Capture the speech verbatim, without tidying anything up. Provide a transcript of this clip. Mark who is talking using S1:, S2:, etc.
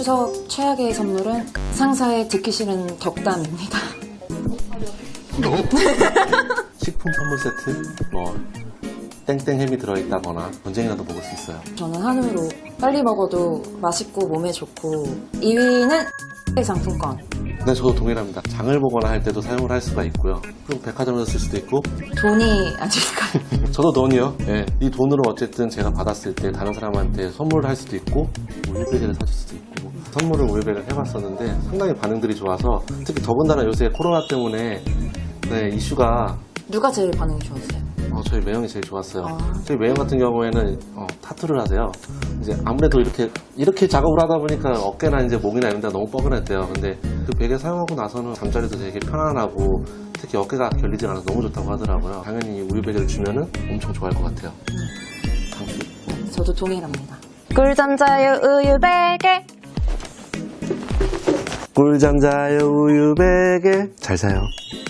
S1: 추석 최악의 선물은 상사의 듣기 싫은 덕담입니다.
S2: 식품 선물 세트, 뭐 땡땡 햄이 들어있다거나 언젠가도 먹을 수 있어요.
S1: 저는 한우로 빨리 먹어도 맛있고 몸에 좋고 이 위는 상품권.
S2: 네, 저도 동일합니다. 장을 보거나 할 때도 사용을 할 수가 있고요. 그럼 백화점에서 쓸 수도 있고.
S1: 돈이 아닐까요?
S2: 저도 돈이요. 예, 이 돈으로 어쨌든 제가 받았을 때 다른 사람한테 선물을 할 수도 있고 우유베개를 사줄 수도 있고. 선물을 우유베개를 해봤었는데 상당히 반응들이 좋아서, 특히 더군다나 요새 코로나 때문에 네, 이슈가.
S1: 누가 제일 반응이 좋았어요?
S2: 어, 저희 매형이 제일 좋았어요.
S1: 아.
S2: 저희 매형 같은 경우에는 어, 타투를 하세요. 이제 아무래도 이렇게 이렇게 작업을 하다 보니까 어깨나 이제 목이나 이런 데가 너무 뻐근했대요. 근데 그 베개 사용하고 나서는 잠자리도 되게 편안하고 특히 어깨가 결리지 않아서 너무 좋다고 하더라고요. 당연히 이 우유 베개를 주면은 엄청 좋아할 것 같아요. 당신.
S1: 네, 저도 동일합니다.
S3: 꿀잠 자요 우유 베개.
S2: 꿀잠 자요 우유 베개. 잘 자요.